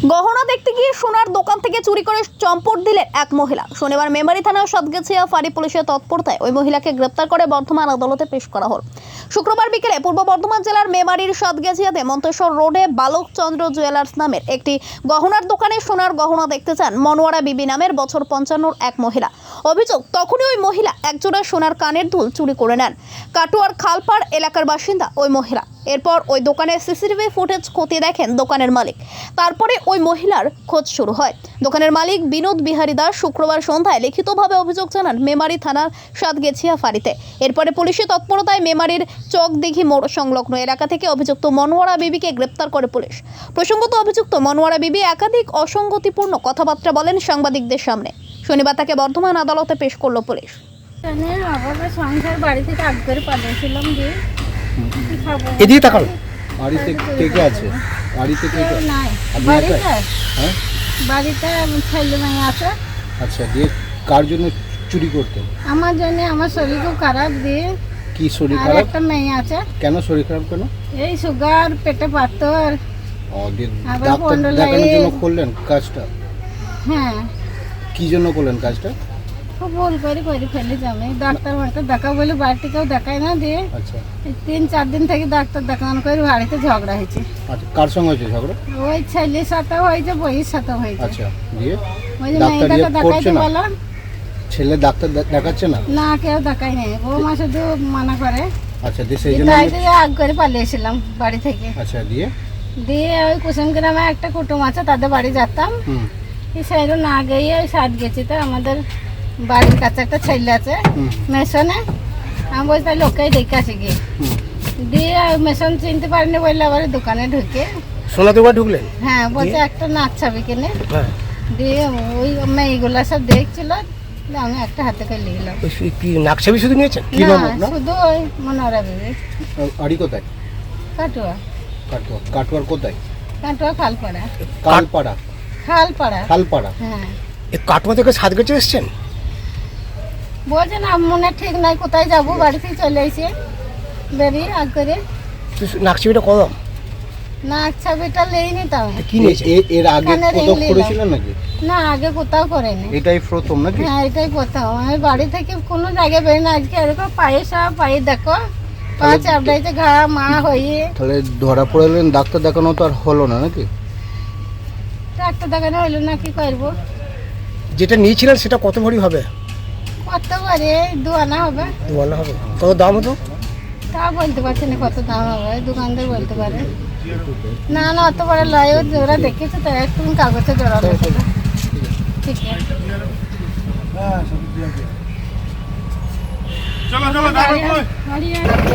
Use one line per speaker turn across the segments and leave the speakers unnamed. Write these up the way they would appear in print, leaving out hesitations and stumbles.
গহনা দেখতে গিয়ে সোনার দোকান থেকে চুরি করে চম্পট দিলেন এক মহিলা। শনিবার মেমারি থানার সাতগেছিয়া ফাঁড়ি পুলিশের তৎপরতায় ওই মহিলাকে গ্রেপ্তার করে বর্ধমান আদালতে পেশ করা হল। শুক্রবার বিকেলে পূর্ব বর্ধমান জেলার মেমারির সাতগেছিয়াতে মন্তেশ্বর রোডে বালকচন্দ্র জুয়েলার্স নামের একটি গহনার দোকানে সোনার গহনা দেখতে চান মনোয়ারা বিবি নামের বছর 55 এক মহিলা। অভিযোগ, তখনই ওই মহিলা একজোড়া সোনার কানের দুল চুরি করে নেন। কাটুয়ার খালপাড় এলাকার বাসিন্দা ওই মহিলা। এরপর ওই দোকানের সিসিটিভি ফুটেজ খতিয়ে দেখেন দোকানের মালিক। তারপরে ওই মহিলার খোঁজ শুরু হয়। দোকানের মালিক বিনোদ বিহারী দাস শুক্রবার সন্ধ্যায় লিখিতভাবে অভিযোগ জানান মেমারি থানার সাতগেছিয়া ফাঁড়িতে। এরপরে পুলিশের তৎপরতায় মেমারির চকদিঘি মোড় সংলগ্ন এলাকা থেকে অভিযুক্ত মনোয়ারা বিবিকে গ্রেপ্তার করে পুলিশ। প্রসঙ্গত, অভিযুক্ত মনোয়ারা বিবি একাধিক অসঙ্গতিপূর্ণ কথাবার্তা বলেন সাংবাদিকদের সামনে। শনিবার তাকে বর্ধমান আদালতে পেশ করল পুলিশ।
সংসার বাড়ি থেকে আগ করে পাঠিয়েছিলাম যে
এদিকে তাকালো।
বাড়িতে কে কে আছে? বাড়িতে কে কে?
নাই
আপনি
বাড়িতে
একাই? হ্যাঁ,
বাড়িতে ছেলে মেয়ে আছে।
আচ্ছা, দিয়ে কার জন্য চুরি করতেন?
আমার জন্য আমার শরীর খুব খারাপ দিয়ে
কি শরীর
আর
খারাপ?
একটা মেয়ে আছে।
কেন শরীর খারাপ কেন?
এই সুগার, পেটে পাথর।
দিয়ে
আবার
ডাক্তার
পন্ডলাইট।
দেখানোর জন্য করলেন কাজটা?
হ্যাঁ,
কি জন্য করলেন কাজটা?
খুব ভুল করে ফেলেছি আমি। ডাক্তার দেখা বলে বাড়িতে কেউ দেখায় না দিয়ে
আচ্ছা
3-4 দিন থেকে ডাক্তার দেখানো করে বাড়িতে ঝগড়া হয়েছে।
আচ্ছা, কার সঙ্গে হয়েছে ঝগড়া?
ওই ছেলের সাথে হয়েছে, বইয়ের সাথে হয়েছে।
আচ্ছা, দিয়ে
ওই যে
ডাক্তার
মেয়েটাকে
ইয়ে করছে
দেখাইতে
না?
বললাম,
ছেলে ডাক্তার দেখাচ্ছে না?
না কেউ দেখায় নেই। বৌমা শুধু মানা করে।
আচ্ছা, দিয়ে সেই জন্য
তাই আগ করে পালিয়েছিলাম বাড়ি থেকে।
আচ্ছা, দিয়ে
ওই কুসুম গ্রামে একটা কুটুম আছে, তাদের বাড়ি যেতাম। এই সাইডে না গিয়ে ওই সাইড গেছি। তো আমাদের বাড়ির কাছে একটা ছেলে আছে মেশনে। আমি বলছি তাই লোককেই দেখে আসি গিয়ে। দিয়ে মেশন চিনতে পারিনি বললে আবার দোকানে ঢুকে।
সোনা দোকান ঢুকলেন?
হ্যাঁ, বলছে একটা নাচ ছবি কিনে।
হ্যাঁ।
দিয়ে ওই মেয়েগুলো সব দেখছিল। দিয়ে আমি একটা হাতে করে নিলাম।
কি নাকছাবি শুধু নিয়েছেন?
কি নাম আপনার?
শুধু ওই মনোরা বিবি।
বাড়ি কোথায়?
কাটুয়া
কাটোয়ার কোথায়?
কাটুয়া খালপাড়া।
কালপাড়া?
খালপাড়া।
খালপাড়া।
হ্যাঁ,
এই কাটোয়া থেকে সাতগেছে এসছেন?
বলছে না মনে ঠিক নাই কোথায় যাবো, বাড়ি থেকে চলে এসে বেরিয়ে আগ করে।
নাকছাবিটা কদম
না ছবিটা লেইনি তাও।
কি নিয়েছে?
এর আগে
কানের ring
কোথাও
নিলাম।
করেছিলেন নাকি?
না, আগে কোথাও করেনি।
এটাই প্রথম নাকি?
হ্যাঁ, এটাই কোথাও। আমি বাড়ি থেকে কোনো জায়গায় বেরোই না। আজকে এরকম পায়ে সব পায়ে দেখো পা চাপড়াইতে ঘা মা হয়ে।
তাহলে ধরা পড়লেন, ডাক্তার দেখানো তো আর হলো না নাকি?
ডাক্তার দেখানো হইলো না, কি করবো?
যেটা নিয়েছিলেন সেটা কত ভরি হবে?
কত পারে 2 আনা হবে।
দোকান হবে কত দাম হতো?
তা বলতে পারছি না কত দাম হবে, দোকানদার বলতে পারে। না না, অত বড় লয়। ওরা দেখেছে তো, একটু কাগজে জড়ানো ছিল। ঠিক আছে, গাড়ি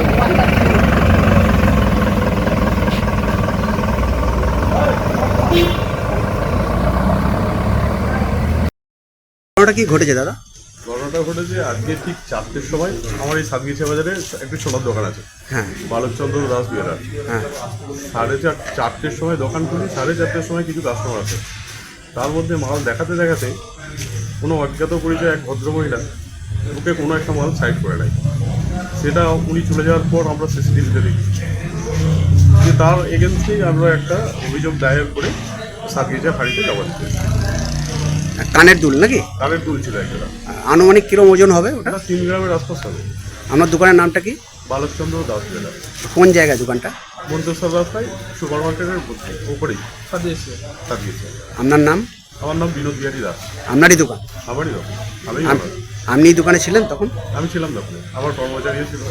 ঘটনাটা কি ঘটেছে দাদা?
ঘটনাটা ঘটেছে আজকে ঠিক 4টের সময়। আমার এই সাতগেছিয়া বাজারে একটি সোনার দোকান আছে,
হ্যাঁ
বালকচন্দ্র দাস জুয়েলার।
হ্যাঁ
4:30 সময় দোকান খুলি। 4:30 সময় কিছু কাস্টমার আছে। তার মধ্যে মাল দেখাতে দেখাতে কোনো অজ্ঞাত পরিচয় এক ভদ্রমহিলা ওকে কোনো একটা মাল সাইড করে নেয়। সেটা উনি চলে যাওয়ার পর আমরা সিসিটিভিতে দেখি যে তার এগেনস্টেই আমরা একটা অভিযোগ দায়ের করে সাতগেছিয়া ফাঁড়িতে জমা দিতে।
কানের দুল নাকি?
কানের দুল ছিল একটা।
আনুমানিক কিরম ওজন হবে ওটা?
ওটা 3 গ্রামের আশপাশ হবে।
আপনার দোকানের নামটা কি?
বালকচন্দ্র দাস জুয়েলার।
কোন জায়গায় দোকানটা?
মন্তেশ্বর রাস্তায় সুপার মার্কেটের উপরেই সাতগেছিয়া।
আপনার নাম?
আমার নাম বিনোদ বিহারী দাস।
আপনারই দোকান?
আমারই দোকান, আমি
আপনি দোকানে ছিলেন তখন?
আমি ছিলাম দোকানে, আমার কর্মচারীও ছিল।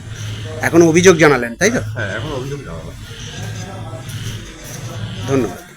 এখন অভিযোগ জানালেন তাই তো?
হ্যাঁ, এখন অভিযোগ জানালাম।
ধন্যবাদ।